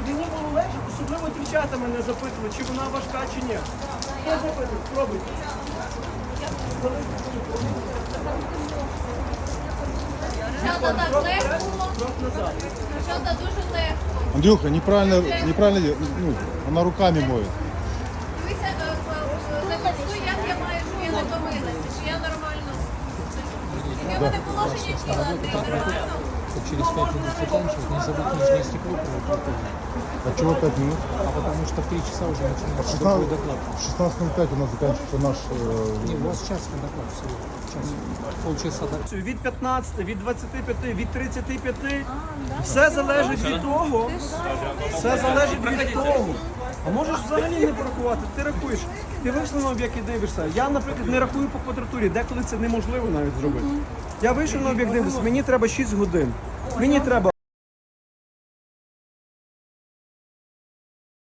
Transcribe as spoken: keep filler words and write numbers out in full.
людині було легше, особливо дівчата мене запитували, чи вона важка, чи ні. Хто запитує? Спробуйте. Дівчата так легко, Крок назад. дівчата дуже легко. Андрюха, неправильно, неправильно, ну, она руками моет. Дивися, зафіксуй, як я маю, що я не помилася, чи я нормально. Яке в мене положення тіла, Андрій, нормально? Через пять минут заканчивать, не забудь нижнее стекло проветрить. А чего пять минут? А потому что в три часа уже начинается шестнадцать другой доклад. шестнадцать ноль пять у нас заканчивается наш... э, Не, у вас час на доклад всего. Час. Полчаса доклад. Від п'ятнадцяти, від двадцяти п'яти, від тридцяти п'яти. Все залежить від того. Все залежить від того. А можеш взагалі не порахувати, ти рахуєш. Ти вийшов на об'єкт і дивишся. Я, наприклад, не рахую по квадратурі, деколи це неможливо навіть зробити. Я вийшов на об'єкт, дивлюся, мені треба шість годин. Мені треба